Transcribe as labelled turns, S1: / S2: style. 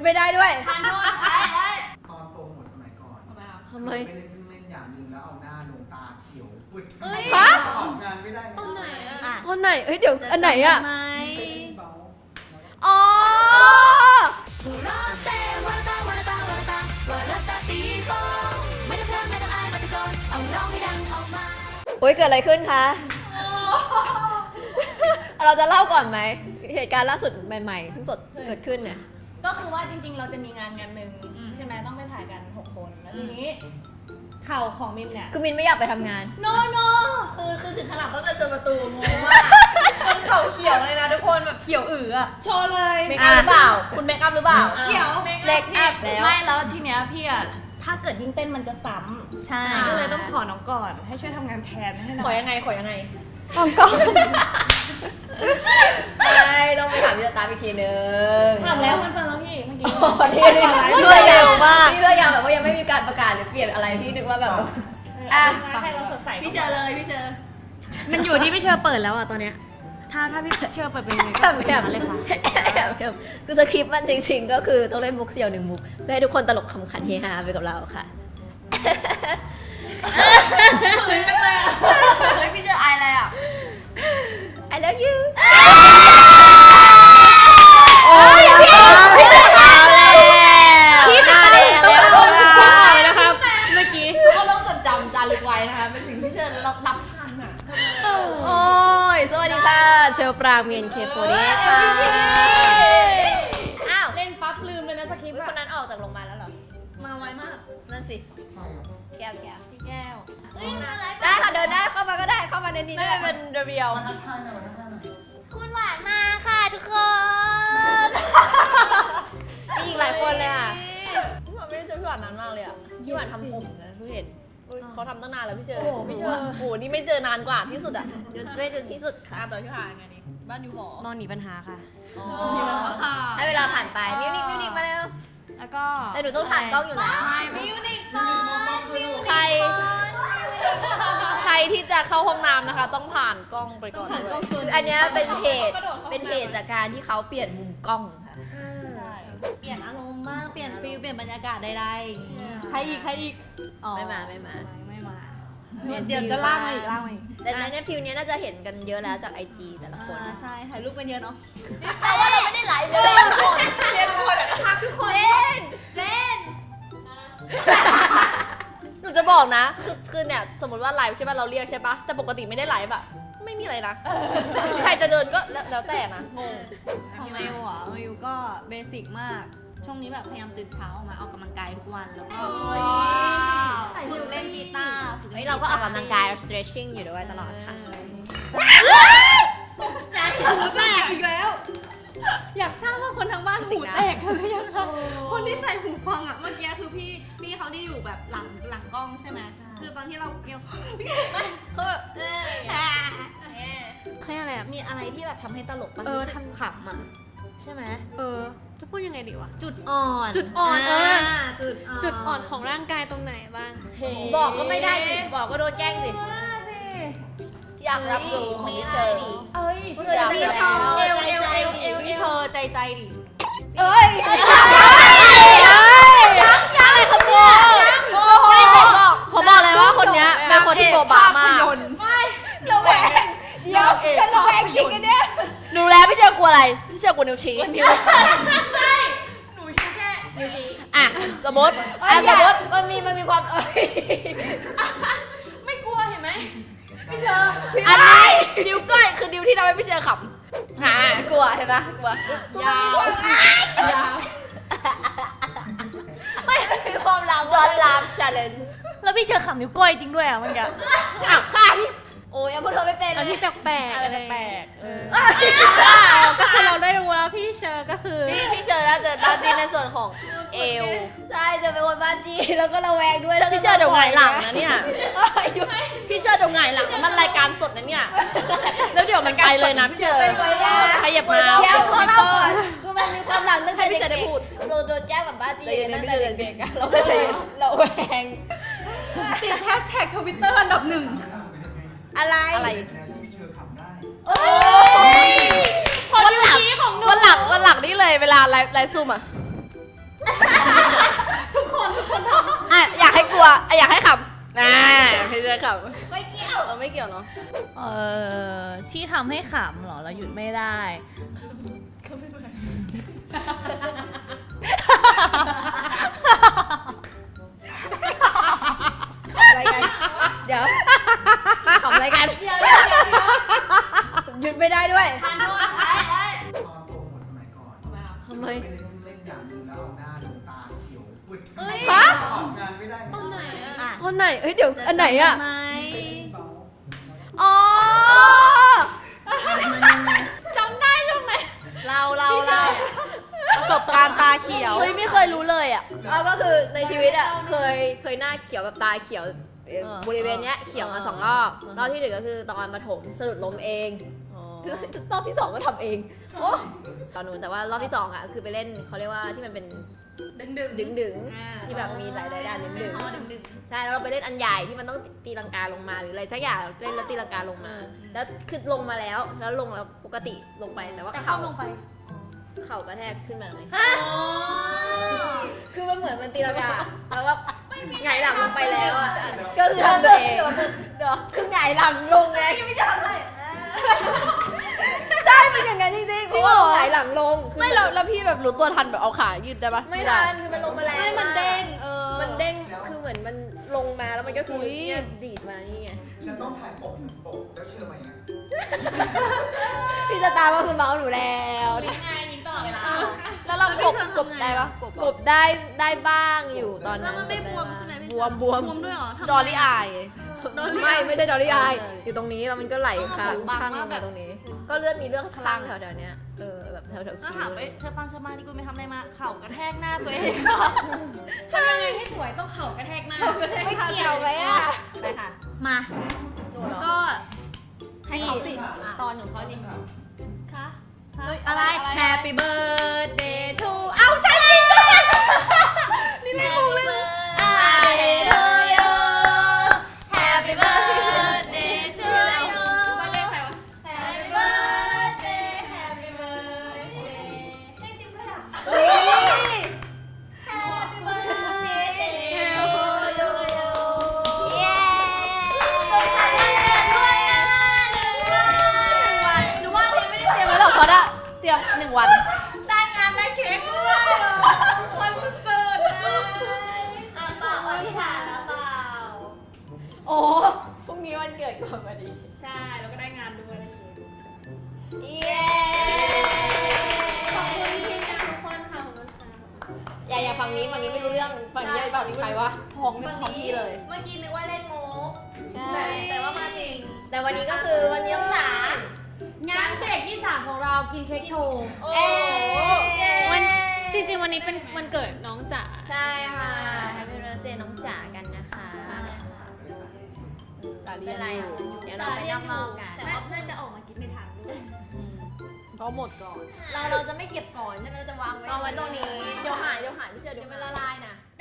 S1: ไม่ได้ด้วย
S2: ทานโทษไอ้
S3: ตอนโปรโมทสมัยก่อน
S1: ทำไม
S3: ไม่ได้เพิ่งเล่นอย่างหนึงแล้วเอาหน้าลงตาเขียวปุด
S1: ฮะ
S3: ออกงานไม่ได้
S2: ตรงไหนอะ
S1: ตอนไหนเอ้ยเดี๋ยวอันไหนอะ
S4: ไหม
S3: เบา
S1: อ๋อโอ้ยเกิดอะไรขึ้นคะ เราจะเล่าก่อนไหมเหตุการณ์ล่าสุดใหม่ๆเพิ่งสดเกิดขึ้นเนี่ย
S2: ก็คือว่าจริงๆ เราจะมีงานหนึ่งใช่ไหมต้องไปถ่ายกัน 6 คนแล้วทีนี้เข่าของมินเนี่ย
S1: คือมินไม่อยากไปทำงาน
S2: โน
S4: คือถึงขนาดต้องเดินชนประตูงงมากคนเข่าเขียวเลยนะทุกคนแบบเขียวอืออะ
S2: โชว์เลย
S1: เมคอัพหรือเปล่า คุณเมคอัพหรือเปล่า
S2: เขียว
S1: เล็กอัพแล้ว
S2: ไม่แล้วทีเนี้ยพี่อะถ้าเกิดยิ่งเต้นมันจะซ้ำ
S4: ใช่
S2: ก็เลยต้องขอน้องก่อนให้ช่วยทำงานแทนให้หน่
S4: ขอ
S2: อย
S4: ยังไงขอยังไง
S1: ของก่อนไม่ต้องไปถามพี่สตาร์อีกทีนึง
S2: ถามแล้วมันฟังแล้วพี่เมื่อกี้
S1: อ๋อนี่นี่
S4: รวดเร็วมาก
S1: พี่พยายามแบบว่ายังไม่มีการประกาศหรือเปลี่ยนอะไรพี่นึกว่าแบบ
S2: ให้เราสดใส
S4: พี่เชอเลยพี่เชอ
S2: มันอยู่ที่พี่เชอเปิดแล้วอะตอนเนี้ยถ้าพี่เชอเปิดเป็นยังไงก็
S1: แบบ
S2: เป็นอย่างนั้นเลยค่ะ
S1: คือสคริปต์มันจริงๆ ก็คือต้องเล่นมุกเสี่ยวหนึ่งมุกเพื่อให้ทุกคนตลกขำขันเฮฮาไปกับเราค่ะ
S4: เฮ้ยพี่เชออายอะไรอ่ะ
S1: I love you
S4: โอ้ยพี่เชออายเลย
S2: พี่จะต้องพูดเลยนะครับเมื่อกี้
S4: ก็ต้องจดจำจารึกไว้นะคะเป็นสิ่งที่เชอรับทันอ่ะ
S1: โอ้ย สวัสดีค่ะ เชลปรางเมียนเคโฟเดค่ะ อ้าว
S2: เล่นปั๊บลืมเลยนะสคริปต์
S1: คนนั้นออกจากโรงพยาบาลแล้วเหรอ
S4: มาไวมาก
S1: นั่นสิ
S3: ใช่ครับ
S1: แก้วแก้ว
S2: พี่แก้ว
S1: ได้ค่ะ เดินได้เข้ามาก็ได้เข้ามาในนี้
S4: ไม่
S1: ได้
S4: เป็นเรียว
S3: มาทักทายหน่อยมาทักทายหน่อย
S2: คุณหวานมาค่ะทุกคน
S1: มีอีกหลายคนเลยค่ะ
S4: ไม่ได้เจอพี่หวานนานมากเลยอ่ะ
S1: พี่หวานทำผมนะทุกเห็น
S4: อุ๊ยเขาทำตั้งนานแล้วพี่เชอ
S2: โอ้โหพี่เชอ
S4: โอ้โหนี่ไม่เจอนานกว่าที่สุดอ่ะ
S1: ด้วยจนที่สุดค่ะ
S4: ต่อพี่หวานไงนี่บ้านอยู่หอน
S2: อนหนีปัญหาค่ะ
S1: ให้เวลาผ่านไป มิวนิกมาเร็ว
S2: แล้วก็
S1: แต่หนูต้องผ่านกล้องอยู่นะ
S4: มิวนิคฟอนใครที่จะเข้าห้องน้ำนะคะ ต้องผ่านกล้องไปก่อนด้วย
S1: คืออันเนี้ยเป็นเหตุจากการที่เขาเปลี่ยนมุมกล้องค่ะ
S4: ใช่
S5: เปลี่ยนอารมณ์บ้างเปลี่ยนฟิลเปลี่ยนบรรยากาศใดๆใครอีกอ๋อ
S1: ไม่มา
S5: ไม่มา
S1: เปลี่ยน
S5: เดี๋ยวจะลากมาอีกลากมาอีก
S1: แต่ในเนี่ยฟิลเนี้ยน่าจะเห็นกันเยอะแล้วจากไอจีแต่ละคน
S5: ใช่ถ่ายรูปกันเยอะเนาะ
S4: แต่ว่าเราไม่ได้ไลฟ์เลยทุกคนเรียนทุกคนอะทักทุกคน
S1: เล่น
S4: หนูจะบอกนะคือเนี่ยสมมติว่าไลฟ์ใช่ป่ะเราเรียกใช่ป่ะแต่ปกติไม่ได้ไลฟ์อะไม่มีอะไรนะ ใครจะเดินก็แล้วแต่นะงง
S5: ของมิวอ่ะมิวก็เบสิกมาก ช่วงนี้แบบพยายามตื่นเช้าออกมาออกกำลังกายทุกวันแล้วก็ฝึกเล่นกีตาร์ฝึ
S1: เฮ้ยเราก็ออกกำลังกาย stretching อยู่ด้วยตลอดค่ะ
S5: หูแตกอีกแล้ว อยากทราบว่าคนทางบ้านหูแตกกันหรือยังคะคนที่ใส่หูฟังอ่ะเมื่อกี้คือพี่เขาที่อยู่แบบหลังกล้องใช่ไหมคือตอนที่เราเกี่ยว
S4: เขาแบบ
S2: เขาเรียกอะไรอะ
S4: มีอะไรที่แบบทำให้ตลกปะ
S2: รู้
S4: รู้
S2: สึ
S4: สึ
S2: ก
S4: กขำอ่ะใช่ไหม
S2: จะพูดยังไงดีวะ
S5: จุดอ่อน
S2: จุดอ่อนจุดอ่อน
S5: ข
S2: ของร่างกายตรงไหนบ้าง
S1: บอกก็ไม่ได้สิ บอกก็โดนแกล้งสิ
S4: อยากรับรู้ของพี่เชอร์
S2: เอ้ย
S4: อยาก
S5: พี่
S4: รับ
S5: เชอ
S4: รู้
S5: พี่เชอใจดิ
S1: เอ้ย
S4: อะไรขโมยผมบอกเลยว่าคนเนี้ยเป็นคนที่โบบามาก
S1: ระแวงเดี๋ยวฉันระแวงจริงกันเนี่ย
S4: ดูแล้วพี่เชอร์กลัวอะไรพี่เชอร์กลัวนิ้วชี้
S2: ใช่หนูชี้แค่นิ้วชี้
S4: อ่ะสมมติ
S1: สมมติมันมีความ
S2: ไม่กลัวเห็นไหม
S3: พี่เชอร์
S4: อันนี้นิ้วก้อยคือนิ้วที่ทำให้พี่เชอร์ขำกลัวเห็นปะกลัว
S5: ยาว
S1: ไม่มีความรัก
S4: จอร์ลามชาเลนจ์
S2: แล้วพี่เชอร์ขำนิ้วก้อยจริงด้วยอ่ะเมื่อกี้
S4: อ้าวค่ะ
S1: โอ้ยยังพูดเธอไม่เป็น
S2: อัน
S1: เลย
S2: ที่แปลกๆอะไรแปลก
S5: ก็คือเราได้รู้แล้วพี่เชอก็คือ
S4: พี่เชอร์น่าจะบ้าจีนในส่วนของเอว
S1: ใช่จะเป็นคนบ้าจีแล้วก็ระแวงด้วยแล้วก็
S4: พี่เชอร์เดี๋ยวหงายหลังนะเนี่ย
S1: หยุด
S4: พี่เชอร์เดี๋ยวหงายหลังนะมันรายการสดนะเนี่ย แล้วเดี๋ยวมันไปเลยนะพี่เชอร์
S1: ไปได้
S4: ขยับมา
S1: เดี๋ยวขอเล่าก่อนคือมันมีความหลังตั้งแต่
S4: ให้พี่เชอร์ได้พูด
S1: เราโดนแจ้งแบบบ้าจี
S4: ใจเย็นนะ
S1: ตั้งแต่
S4: พี่เชอร์
S1: เด็กๆอะเราไม่ใช่เราแวง
S5: ติดแฮชแท็กทวิตเตอร์อันดับหนึ่ง
S1: อะไร
S4: อะไร
S3: แล้วพี่เชอร์ขำได้
S4: วันหลังนี่เลยเวลาไลฟ์ซูมอ่ะอ่ะอยากให้กลัวอ่ะอยากให้ขำพี่จะขำไม่เกี่ยวไม่เกี่ยวเนาะ
S2: ที่ทำให้ขำเหรอเราหยุดไม่ได้
S1: อะไรกันเดี๋ยวขำอะไรกันหยุดไม่ได้ด้วย
S3: ตอนโปรโมทสมัยก่อน
S1: ทำไม
S3: ไม่ได้เล่นอย่างหนึงแล้วเอาหน้าดวงตาเขียวปุด
S1: ฮะ
S3: ออกงานไม่ได้
S4: ตรงไหนอะ
S1: คนไหนเอ้ยเดี๋ยวอันไหนอ่ะ
S5: ไหม
S1: อ๋อ
S4: จำได้ใช่ไหม
S5: เราประสบการณ์ตาเขียว
S4: เฮ้ยไม่เคยรู้เลยอ่ะ
S1: เอาก็คือในชีวิตอ่ะเคยหน้าเขียวแบบตาเขียวบริเวณเนี้ยเขียวมา2 รอบรอบที่1ก็คือตอนประถมสะดุดล้มเองรอบที่ 2ก็ทำเองโอ้ตอนนู้นแต่ว่ารอบที่2อ่ะคือไปเล่นเขาเรียกว่าที่มันเป็น ดึงที่แบบมีหลายด้านดึงใช่แล้วเราไปเล่นอันใหญ่ที่มันต้องตีลังกาลงมาหรืออะไรสักอย่างเล่นแล้วตีลังกาลงมา แล้วคือลงมาแล้วลงแล้วปกติลงไปแต่ว่า
S2: แต่เข้าลงไป
S1: เข่ากระแทกขึ้นมาเลยคือมันเหมือนมันตีลังกาแล้วว่าหงายหลังลงไปแล้วอ่ะก็คือทำตัวเองเดี๋ยวคือหงายหลังลงไงไม่จะทำอะไรใช่เป็นอย่างนั้นจริงๆเพราะว่าหงายหลังลง
S4: ไม่แล้วพี่แบบรู้ตัวทันแบบเอาขายืดได้ปะ
S1: ไม่ทันคือมันลงมาแล้ว
S5: ไม่มันเด้ง
S1: มันเด้งคือเหมือนมันลงมาแล้วมันก็คือเนี่ยดีดมานี่ไง
S3: แล้วต้องถ่ายปกแล้วเชื่อไหมเนี่ย
S1: พี่สตาร์ก็คือเมาส์หนูแล้ว
S2: มิ้นไงมิ้นตลอดเวลา
S4: แล้วเรากบได้ปะ
S1: กบได้บ้างอยู่ตอน
S5: แล้
S1: นั้
S5: วน มันไม่บวมใช่ไหมพี่
S1: บวม
S5: บวมด้วยเหรอทำไม
S4: จอรี่อาย
S1: ไม่ใช่ดอลลี่อายอยู่ตรงนี้แล้วมันก็ไหลข้าง
S5: บัง
S1: ข้างล
S5: มาก
S1: ง
S5: แบ
S1: มา
S5: บ
S1: ตรงนี้ ก็เลือดมีเรื่องข้างแถวๆเนี้ยแบบแถวๆ
S5: ก็
S1: คิ้
S5: ถาม
S1: ว
S5: ไปเชฟปังที่กูไปทำอะไรมาเข่ากระแทกหน้าตัวเอง
S2: ทำยังไงให้สวยต้องเข่ากระแทกหน้า
S1: ไม่เกี่ยวเลยอ่ะไปค่ะ
S5: มา ก็
S1: ให้เขาสิตอนของเขาดิ
S2: คะ
S5: อะไร Happy birthday to เอ้าใช่จริงด้วยนี่เล่นมุกเลย
S2: Happy birthday to you วันเด็กใครวะ Happy birthday Happy birthday ให้ติ๊มเลยอ่ะ Happy birthday to you
S1: เย้
S4: หนูว่าเทไม่ได้เตรียมไว้หรอกเพราะว่าเตรียม1 วัน
S2: ได้งานได้เค้กด้วยวันสุดๆเลย
S1: เปล่าอธิษฐานแล้วเปล่าโอ้พรุ่งนี้วันเกิดก่อนพอดี
S2: ใช่ แล้วก็ได้งานด้วยได้เค้ก
S1: เย้
S2: ขอบคุณทีมงานทุกคนค่ะขอบคุณค่ะ
S1: อย่าฝั่งนี้ไม่รู้เรื่องฝั่งนี้ฝั่งนี้ใครวะ
S4: ของเป็นของพี่เลย
S5: เมื่อกี้นึกว่าเล่นมุก
S1: ใช่
S5: แต่ว่ามาจริง
S1: แต่วันนี้ก็คือวันนี้น้องจ๋าง
S2: านเบรกที่ 3 ของเรากินเค้กโชว์
S1: เอ๊ะ
S2: วันจริงๆวันนี้เป็นวันเกิดน้องจ๋า
S1: ใช่ค่ะแฮปปี้เบิร์ธเดย์น้องจ๋ากันนะคะ
S4: จ๋าเรี
S1: ไม่
S4: ย
S1: เป็น นไร
S4: อยู่
S1: เดี๋ยวเราไปนอกๆกัน
S2: แต่ว่าน่าจะออกมากินไม่ทันด้วย
S4: เพราะหมดก่อน
S1: เราจะไม่เก็บก่อนใช่ไหมเราจะวางไว้
S4: เอาไว้ตรงนี้
S1: เดี๋ยวหายพี่เชื่อเดี๋ยวมันละลายนะ